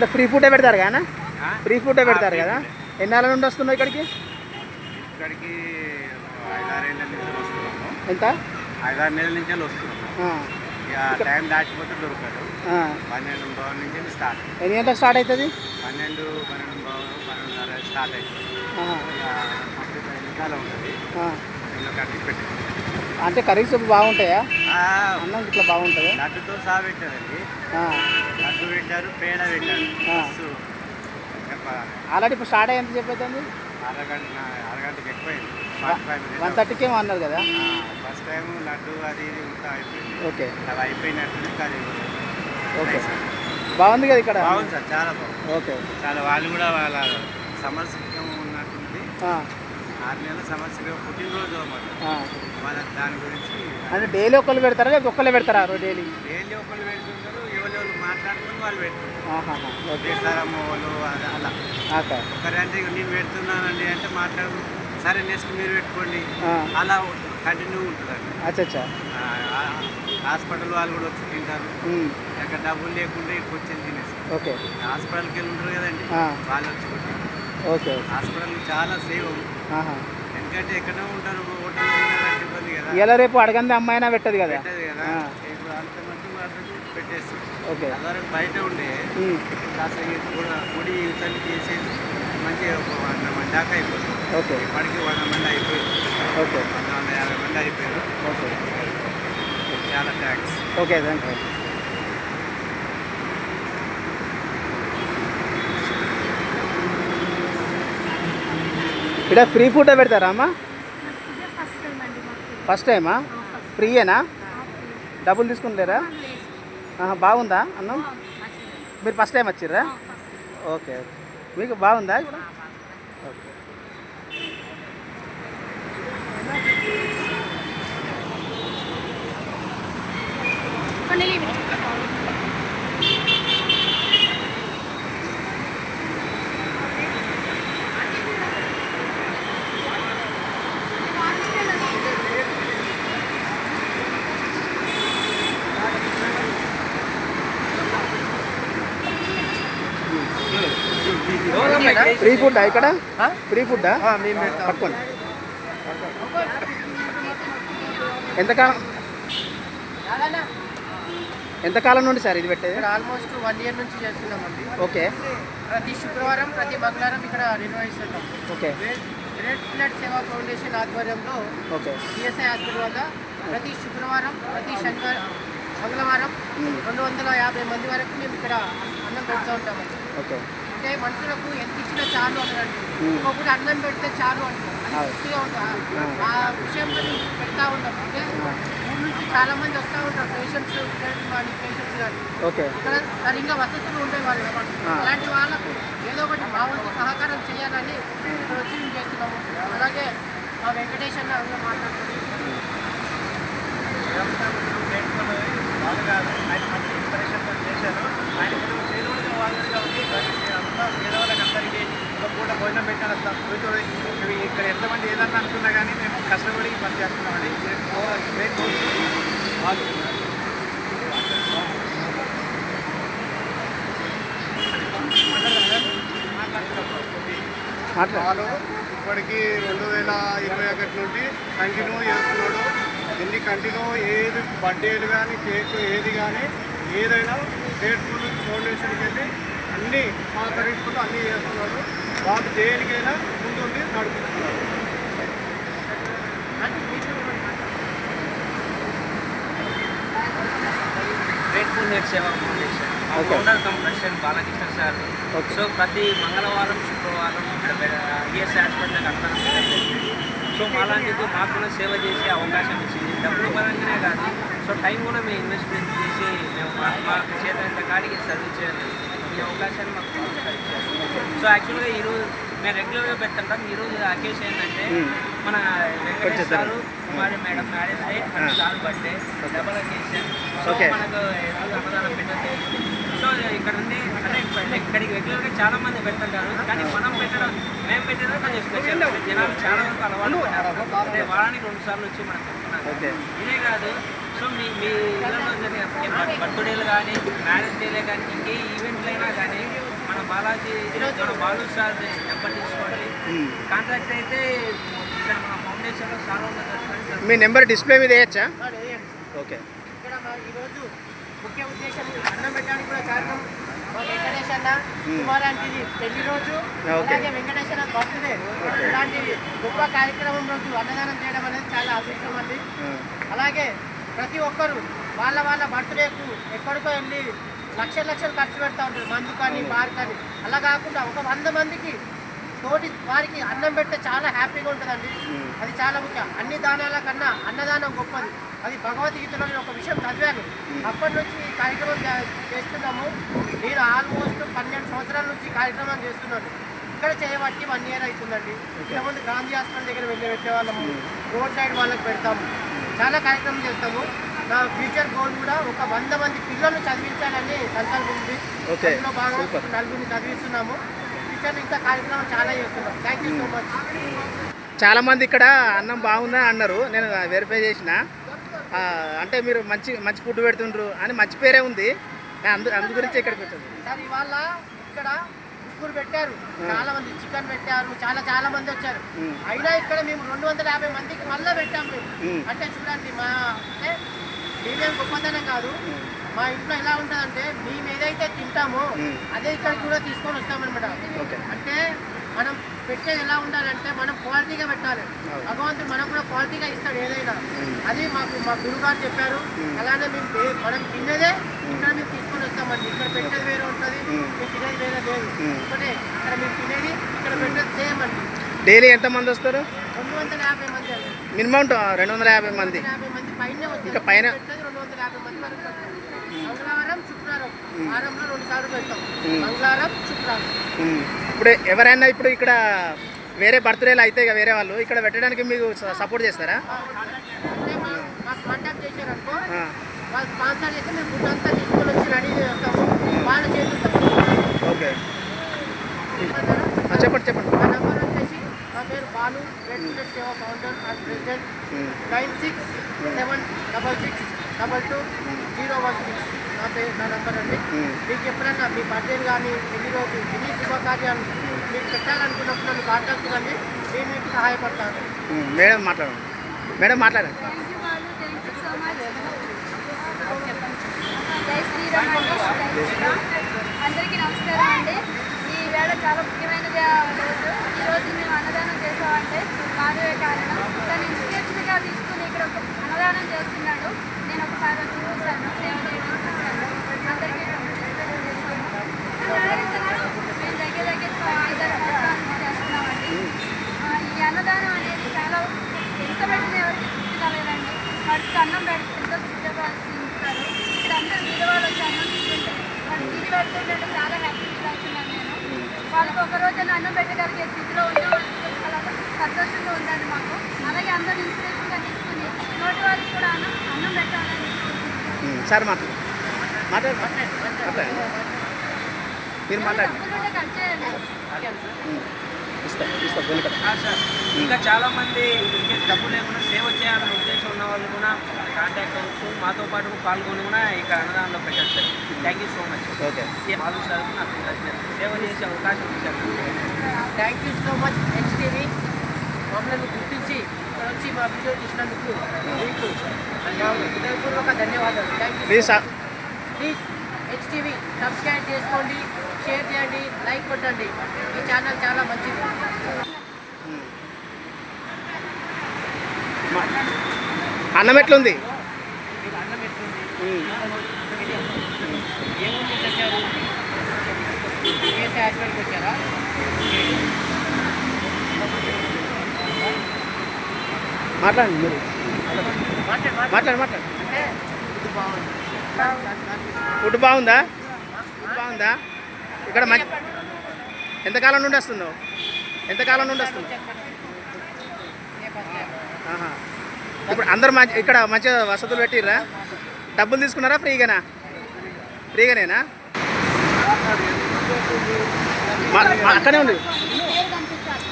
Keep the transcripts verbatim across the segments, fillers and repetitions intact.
ఇక్కడ free food పెడతారు కదా, ఫ్రీ ఫుడ్ పెడతారు కదా. ఎన్నాళ్ళ నుండి వస్తున్నావు ఇక్కడికి? ఇక్కడికి ఐదారేళ్ళ నుంచి వస్తున్నాము. ఎంత? ఐదారు నెలల నుంచి వస్తున్నాము. ఇక టైం దాటిపోతే దొరకదు. పన్నెండు బావు నుంచి స్టార్ట్. ఎన్ని గంటలకు స్టార్ట్ అవుతుంది? పన్నెండు పన్నెండు బావు పన్నెండున్నర స్టార్ట్ అవుతుంది. వెనకాల ఉంటుంది. కట్టి పెట్టి అంటే కర్రీస్ బాగుంటాయా? అన్నం ఇట్లా బాగుంటుంది. లడ్డుతో సహా పెట్టారండి. లడ్డు పెట్టారు, పేడ పెట్టారు. ఆల్రెడీ ఇప్పుడు స్టార్ట్ అయ్యి ఎంత చెప్పేది? అరగంట అరగంటకి ఎక్కువైంది. వన్ థర్టీకి ఏమో అన్నారు కదా. ఫస్ట్ టైం లడ్డు అది ఇది ఇంకా అయిపోయింది. ఓకే, అవి అయిపోయినట్టు అది. ఓకే, బాగుంది కదా ఇక్కడ? బాగుంది సార్, చాలా బాగుంది. ఓకే, చాలా వాళ్ళు కూడా వాళ్ళ సమర్శకం ఉన్నట్టుంది. ఆరు నెలల సమస్యగా పుట్టినరోజు అన్నమాట. వాళ్ళ దాని గురించి అంటే డైలీ ఒకళ్ళు పెడతారా లేదా ఒక్కళ్ళే పెడతారా? డైలీ డైలీ ఒకళ్ళు పెడుతుంటారు, ఎవరు మాట్లాడుకుని వాళ్ళు పెడతారు. చేస్తారమ్మ వాళ్ళు అలా ఒకరంటే నేను పెడుతున్నానండి అంటే మాట్లాడు, సరే నెక్స్ట్ మీరు పెట్టుకోండి, అలా కంటిన్యూ ఉంటుందండి. అచ్చా, హాస్పిటల్ వాళ్ళు కూడా వచ్చి తింటారు. అక్కడ డబ్బులు లేకుండా ఇక్కడికి వచ్చి తినేసి ఓకే హాస్పిటల్కి వెళ్ళి ఉంటారు కదండి, వాళ్ళు వచ్చి కొట్టి. ఓకే, హాస్పిటల్ చాలా సేవ్. ఎందుకంటే ఎక్కడో ఉంటారు, హోటల్ ఇబ్బంది కదా. ఇలా రేపు అడగంది అమ్మాయినా పెట్టదు కదా. పెట్టదు కదా, ఇప్పుడు అంత మంది వాళ్ళకి పెట్టేసి. ఓకే, అందరూ బయట ఉండే కాస్త కూడా గుడి తల్లి చేసేసి మంచిగా ఒక వంద మంది దాకా అయిపోతుంది. ఓకే, ఇప్పటికి వంద మంది అయిపోయింది. ఓకే, వంద వంద యాభై మంది అయిపోయారు. ఓకే, చాలా థ్యాంక్స్. Okay, thank you. ఇక్కడ ఫ్రీ ఫుడ్ పెడతారా అమ్మా? ఫస్ట్ టైమా? ఫ్రీయేనా? డబ్బులు తీసుకుంటారా? బాగుందా అన్నం? మీరు ఫస్ట్ టైం వచ్చిర్రా? ఓకే, ఓకే, మీకు బాగుందా ఇక్కడ? ఓకే, ఫ్రీ ఫుడ్డా ఇక్కడ? ఫ్రీ ఫుడ్డా? పట్టుకోండి. ఎంతకాలం ఎంతకాలం నుండి సార్ ఇది పెట్టేది? ఆల్మోస్ట్ వన్ ఇయర్ నుంచి చేస్తున్నామండి. ఓకే, ప్రతి శుక్రవారం ప్రతి మంగళవారం ఇక్కడ నిర్వహిస్తున్నాం. Okay, red food Seva foundation ఆధ్వర్యంలో ఓకే, సిఎస్ఐ హాస్పిటల్ వద్ద ప్రతి శుక్రవారం ప్రతి శనివారం మంగళవారం రెండు వందల యాభై మంది వరకు మేము ఇక్కడ అన్నం పెడుతూ ఉంటామండి. ఓకే, అంటే మనుషులకు ఎంత ఇచ్చినా చాలు అంటారండి. ఇంకొకటి అన్నం పెడితే చాలు అంటారు, అది తృప్తిగా ఉంటుంది. ఆ విషయంలో మేము పెడతా ఉంటాం. అంటే ఊరి నుంచి చాలా మంది వస్తూ ఉంటారు, పేషెంట్స్ కానీ పేషెంట్స్ కానీ. ఓకే, ఇక్కడ సరిగ్గా వసతులు ఉండేవాళ్ళు. అలాంటి వాళ్ళకు ఏదో ఒకటి మా వంతు సహకారం చేయాలని ఇక్కడ వచ్చి మేము చేస్తున్నాము. అలాగే మా వెంకటేష్ అన్న అందులో మాట్లాడుతున్నాం. ఆయన మంచి ఇన్స్పిరేషన్తో చేశారు. ఆయన పేదోళ్ళగా వాళ్ళగా ఉంది. అంతా పేదవాళ్ళకి అందరికీ ఒక పూట భోజనం పెట్టాను. ఇక్కడ ఎంతమంది ఏదన్నా అనుకున్నా కానీ మేము కష్టపడి పని చేస్తున్నామండి. మాట్లాడు. ఇప్పటికీ రెండు వేల ఇరవై ఒకటి నుండి కంటిన్యూ చేస్తున్నాడు. ఎన్ని కంటిన్యూ ఏది బర్త్డేలు కానీ కేక్ ఏది కానీ ఏదైనా స్టేట్ ఫుడ్ ఫౌండేషన్కి వెళ్ళి అన్నీ సహకరిస్తూ అన్నీ చేస్తున్నాడు. వాళ్ళు దేనికైనా ముందుండి నడిపిస్తున్నారు. గ్రేట్ ఫుడ్ నెట్ సేవా ఫౌండేషన్ ఓనర్ కంప్రెషన్ బాలకృష్ణ సార్. సో ప్రతి మంగళవారం శుక్రవారం ఇక్కడ ఈఎస్ హాస్పిటల్కి అక్కడ సో అలాంటిది మాకు కూడా సేవ చేసే అవకాశం ఇచ్చింది. డబ్బులు పరంగానే కాదు, సో టైం కూడా మేము ఇన్వెస్ట్మెంట్ చేసి మేము మా చేత కాడికి సర్వీస్ చేయాలి. ఈ అవకాశాన్ని మాకు ఇచ్చారు. సో యాక్చువల్గా ఈరోజు మేము రెగ్యులర్గా పెడుతుంటాం. ఈరోజు అకేషన్ ఏంటంటే మన Venkateswara sir Kumari madam marriage day and sir birthday double occasion. So మనకు ఈరోజు అన్నదానం పెట్టండి. సో ఇక్కడ నుండి అంటే ఇక్కడికి రెగ్యులర్గా చాలా మంది పెడుతుంటారు, కానీ మనం పెట్టడం మేము పెట్టేదో కొంచెం స్పెషల్. జనాలు చాలా వరకు అలవాటు పడ్డారు. అంటే వారానికి రెండు సార్లు వచ్చి మనం పెడుతున్నాం. ఇదే కాదు, సో మీ మీ ఇళ్ళలో జరిగే బర్త్డేలు కానీ మ్యారేజ్ డేలే కానీ ఇంకే ఈవెంట్లు అయినా కానీ బాలాజీ మన బాలు సార్ నెంబర్ తీసుకోండి. ఉమ్. కాంట్రాక్ట్ అయితే ఇక్కడ మన ఫౌండేషన్లో చాలా ఉన్నది. మీ నెంబర్ డిస్ప్లే మీద వేయచ్చా? వాడు వేయండి. ఓకే. ఇక్కడ మా ఈరోజు ముఖ్య ఉద్దేశం అన్నం పెట్టడానికి కూడా కారణం మా వెంకటేష్ అన్న కుమారాంటిది పెళ్లి రోజు, ఓకే. అలాగే వెంకటేష్ అన్న బర్త్డే. ఇలాంటి గొప్ప కార్యక్రమం రోజు అన్నదానం చేయడం అనేది చాలా అదృష్టం అండి. అలాగే ప్రతి ఒక్కరు వాళ్ళ వాళ్ళ బర్త్డేకు ఎక్కడికో వెళ్ళి లక్షల లక్షలు ఖర్చు పెడతా ఉంటారు, మందు కానీ బార్ కానీ. అలా కాకుండా ఒక వంద మందికి తోటి వారికి అన్నం పెడితే చాలా హ్యాపీగా ఉంటుందండి. అది చాలా ముఖ్యం. అన్ని దానాల కన్నా అన్నదానం గొప్పది. అది భగవద్గీతలో నేను ఒక విషయం చదివాను. అప్పటి నుంచి ఈ కార్యక్రమం చే- చేస్తున్నాము. నేను ఆల్మోస్ట్ పన్నెండు సంవత్సరాల నుంచి ఈ కార్యక్రమం చేస్తున్నాను. ఇక్కడ చేయబట్టి వన్ ఇయర్ అవుతుందండి. ఇంతకుముందు గాంధీ హాస్పిటల్ దగ్గర వెళ్ళి పెట్టేవాళ్ళము, రోడ్ సైడ్ వాళ్ళకి పెడతాము, చాలా కార్యక్రమం చేస్తాము. నా ఫ్యూచర్ గోల్ కూడా ఒక వంద మంది పిల్లల్ని చదివించాలని సంకల్పం ఉంది. ఓకే. అందులో బాగా సూపర్. నలుగురిని చదివిస్తున్నాము. ఫ్యూచర్ ఇంకా కార్యక్రమం చాలా చేస్తున్నాం. Thank you so much. చాలామంది ఇక్కడ అన్నం బాగుందని అన్నారు, నేను వెరిఫై చేసిన. ఆ, అంటే మీరు మంచి మంచి ఫుడ్ పెడుతుండ్రు అని మంచి పేరే ఉంది. అందు అందు గురించి ఇక్కడికి వచ్చాను. సార్ ఇవాళ ఇక్కడ ముగ్గురు పెట్టారు, చాలా మంది చికెన్ పెట్టారు, చాలా చాలా మంది వచ్చారు. మ్మ్. అయినా ఇక్కడ మేము రెండు వందల యాభై మందికి మళ్ళీ పెట్టాం మేము. మ్మ్. అంటే చూడండి, మా అంటే మేమేం గొప్పతనం కాదు. మా ఇంట్లో ఎలా ఉంటుందంటే మేము ఏదైతే తింటామో మ్మ్. అదే ఇక్కడికి కూడా తీసుకొని వస్తామన్నమాట. ఓకే. అంటే మనం పెట్టేది ఎలా ఉండాలంటే మనం క్వాలిటీగా పెట్టాలి. అవును. భగవంతుడు మనకు కూడా క్వాలిటీగా ఇస్తాడు ఏదైనా. మ్మ్. అది మాకు మా గురువు గారు చెప్పారు. మ్మ్. అలానే మేము ఏ- మనం తినేదే ఇక్కడ మేము తీసుకొని వస్తామండి. ఇక్కడ పెట్టేది వేరే ఉంటుంది, మ్మ్. మేము తినేది వేరే లేదు. మ్మ్. ఒకటే ఇక్కడ మేము తినేది ఇక్కడ పెట్టేది చేయమండి. డైలీ ఎంతమంది వస్తారు? రెండు వందల యాభై మంది అండి. మినిమం రెండు వందల యాభై మంది. రెండు వందల యాభై మంది పైనే వస్తారు. ఇంకా పైన? పెట్టేది రెండు వందల యాభై మంది వరకు వస్తారు. మంగళవారం శుక్రవారం వారంలో రెండు సార్లు పెడతాం. మ్మ్. మంగళవారం శుక్రవారం. ఉమ్. ఇప్పుడు ఎవరైనా ఇప్పుడు ఇక్కడ వేరే బర్త్డేలు అయితే ఇక వేరే వాళ్ళు ఇక్కడ పెట్టడానికి మీకు స- సపోర్ట్ చేస్తారా? అంటే మా మాకు కాంటాక్ట్ చేశారనుకో, ఆ. వాళ్ళు స్పాన్సర్ చేస్తే మేము ఫుడ్ అంతా తీసుకొని వచ్చి రెడీ చేస్తాము. వాళ్ళ చేతులతో ఓకే. ఆ, చెప్పండి చెప్పండి. మా నెంబర్ వచ్చేసి, నా పేరు Balu, red food Seva founder and president. Um. Nine six seven double six double two zero one six నా పేరు నా నెంబర్ అండి. ఉమ్. మీకు ఎప్పుడైనా మీ బర్త్డేలు కానీ ఎన్ని రోజు ఎన్ని శుభకార్యాలు మీరు పెట్టాలనుకున్నప్పుడు నన్ను కాంటాక్ట్ కండి, నేను మీకు సహాయపడతాను. ఉమ్. మేడం మాట్లాడండి. మేడం మాట్లాడండి. Thank you Balu, thank you so much. Jai Shri Ram అండి, జై శ్రీరామ్. అందరికీ నమస్కారం అండి. ఈ వేళ చాలా ముఖ్యమైనది ఆ రోజు. ఈరోజు మేము అన్నదానం చేసామంటే మాధవే కారణం. తను ఇన్స్పిరేషన్గా తీసుకుని ఇక్కడ ఒక అన్నదానం చేస్తున్నాడు. నేను ఒకసారి వచ్చి చూశాను, సేవ చేయడం చూశాను. అందరికీ చేస్తాము. మేము దగ్గర దగ్గర ఐదారు సంవత్సరాల నుంచి చేస్తున్నామండి. ఆ, ఈ అన్నదానం అనేది చాలా ఎంత పెట్టిన ఎవరికి తృప్తి కలగదండి. వాటికి అన్నం పెడితే ఎంతో తింటారు. ఇక్కడ అందరూ విలువలు వచ్చి అన్నం తీసుకుంటే వాళ్ళు తిరిగి పెడుతుంటే చాలా హ్యాపీ ఫీల్ అవుతున్నాను నేను. వాళ్ళకి ఒక రోజు అన్నం పెట్టగలిగే స్థితిలో ఉన్నాం. చాలా సంతోషంగా ఉందండి మాకు. అలాగే అందరూ ఇన్స్పిరేషన్గా తీసుకుని నోటి వారికి కూడా అన్నం అన్నం పెట్టాలని ఉమ్. సార్ మాట్లాడు మాట్లాడు మాట్లాడండి. మీరు మాట్లాడండి. తప్పకుండా కట్ చేయండి. ఉమ్. ఇస్తా ఇస్తా వెనుక. ఆ సార్, ఇంకా చాలా మంది ఇంకే డబ్బు లేకుండా సేవ చేయాలనే ఉద్దేశం ఉన్న వాళ్ళు కూడా కాంటాక్ట్ అవ్వచ్చు. మాతో పాటు పాల్గొని కూడా ఇక్కడ అన్నదానంలో పెట్టారు sir. Thank you so much. Okay. Balu sir నాకు కృతజ్ఞతలు. సేవ చేసే అవకాశం ఇచ్చారు. Thank you so much HTV. మమ్మల్ని గుర్తించి ఇక్కడ వచ్చి మా వీడియో తీసినందుకు మీకు నా హృదయపూర్వక ధన్యవాదాలు. Thank you. Please sir. Please HTV subscribe చేసుకోండి, షేర్ చేయండి, లైక్ కొట్టండి. ఈ ఛానల్ చాలా మంచిది. ఉమ్. మా- అన్నం ఎట్లుంది? మీకు అన్నం ఎట్లుంది, ఉమ్. ఏముంది తెచ్చారు, కేసీ హాస్పిటల్కి వచ్చారా? మాట్లాడండి మీరు. మాట్లాడు మాట్లాడు. మాట్లాడు మాట్లాడు. అంటే ఇది బాగుంది. దాని- దాని- దాని- ఫుడ్ బాగుందా? ఫుడ్ బాగుందా? ఇక్కడ మంచి ఎంతకాలం నుండి వస్తున్నావు? ఎంతకాలం నుండి వస్తున్నావు? ఆహా. ఇప్పుడు అందరు మంచి ఇక్కడ మంచిగా వసతులు పెట్టిర్రా? డబ్బులు తీసుకున్నారా ఫ్రీగానా? ఫ్రీగానేనా? మా- మా అక్కడే ఉంది. పేరు కనిపించాలి.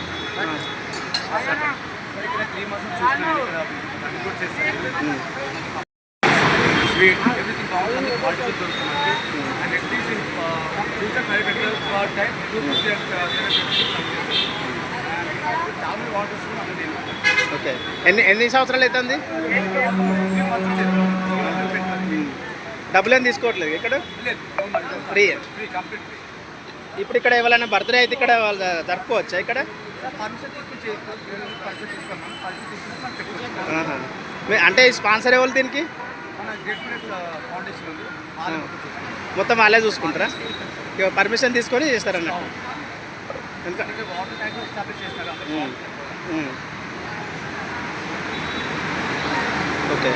స్వీట్ ఎవ్రీథింగ్ బాగుంది, క్వాలిటీ దొరుకుతుంది. And at least future five hundred time two fifty చాలా వాటర్స్ ఓకే. ఎన్ని ఎన్ని సంవత్సరాలు అవుతుంది? డబ్బులు ఏం తీసుకోవట్లేదు ఇక్కడ? ఫ్రీ. Free complete free. ఇప్పుడు ఇక్కడ ఎవరైనా బర్త్డే అయితే ఇక్కడ వాళ్ళు జరుపుకోవచ్చా ఇక్కడ? పర్మిషన్ తీసుకుని చేసుకోవచ్చు. పర్మిషన్ తీసుకున్నాం. పర్మిషన్ తీసుకుని మనం పెట్టుకోవచ్చు. ఆహా. మీ- అంటే స్పాన్సర్ ఎవరు దీనికి? మన గేట్ ఫౌండేషన్ ఉంది. ఆ. మొత్తం వాళ్ళే చూసుకుంటారా? ఇక పర్మిషన్ తీసుకొని చేస్తారన్న. ఎంత? వాటర్ ట్యాంక్ ఎస్టాబ్లిష్ చేస్తారు. Um. Um. Okay.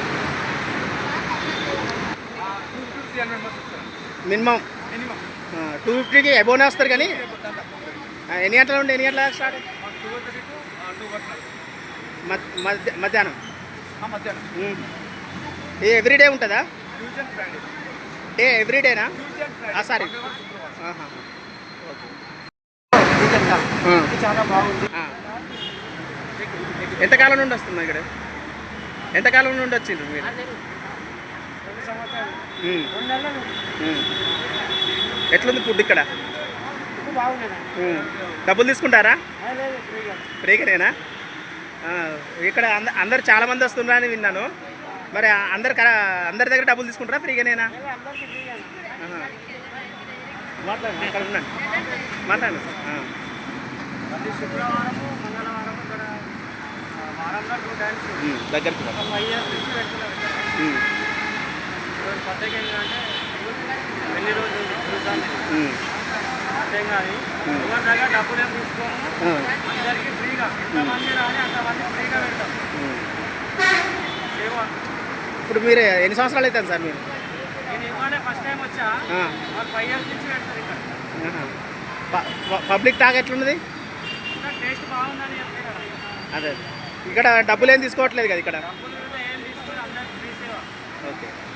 Two fifty three hundred members వస్తారు మినిమం మినిమం. టూ ఫిఫ్టీకి అబోనే వస్తారు కానీ ఆ, ఎన్ని గంటల నుండి ఎన్ని గంటల start? Two thirty to two work మధ్య మధ్యాహ్నం. మధ్యాహ్నం. ఉమ్. ఏ ఎవ్రీడే ఉంటుందా? Tuesday Friday. డే ఎవ్రీడేనా? ట్యూస్డే ఆ, సారీ. శుక్రవారం. ఆహా. ఇది చాలా బాగుంది. ఆ. ఎంతకాలం నుండి వస్తున్నా ఇక్కడ? ఎంతకాలం నుండి వచ్చిండ్రు మీరు? రెండు సంవత్సరాలు ఉమ్. రెండు నెలల నుండి ఉమ్. ఎట్లుంది ఫుడ్ ఇక్కడ? ఇది బాగుండేదండి. ఉమ్. డబ్బులు తీసుకుంటారా? లేదు ఫ్రీగా. ఫ్రీగానేనా? ఆ, ఇక్కడ అంద అందరు చాలా మంది వస్తున్నారా అని విన్నాను. మరి అందరు కర అందరి దగ్గర డబ్బులు తీసుకుంటారా? ఫ్రీగానేనా? అందరికీ ఫ్రీగా. ఆహా. మాట్లాడండి, అక్కడ ఉన్నాను. మాట్లాడండి. ఆ. ప్రతి శుక్రవారము మంగళవారం ఇక్కడ ఆ, వారంలో టూ టైమ్స్ ఉమ్. దగ్గరికి రా. ఒక ఫైవ్ ఇయర్స్ నుంచి పెడుతున్నారు ఇక్కడ. ఉమ్. ఈరోజు కొత్తగా ఏంటంటే ఎన్ని రోజులు చూసాను ఉమ్. అర్థం కాదు. ఎవరి దగ్గర డబ్బులు ఏం తీసుకోము. ఆ. అందరికీ ఫ్రీగా ఎంతమంది రాని అంతమంది ఫ్రీగా పెడతాం. ఉమ్. సేవ. ఇప్పుడు మీరు ఎన్ని సంవత్సరాలు అవుతుంది సార్ మీరు? నేను ఇవాళ ఫస్ట్ టైం వచ్చా. ఆ. మాకు ఫైవ్ ఇయర్స్ నుంచి పెడతారు ఇక్కడ. ఆహా. ప- ప- పబ్లిక్ టాక్ ఎట్లున్నది? ఇంకా టేస్ట్ బాగుందని చెప్తే కదా. అదే ఇక్కడ డబ్బులు ఏం తీసుకోవట్లేదు కదా ఇక్కడ? డబ్బులు కూడా ఏం తీసుకుని అందరికి ఫ్రీ సేవ. ఓకే.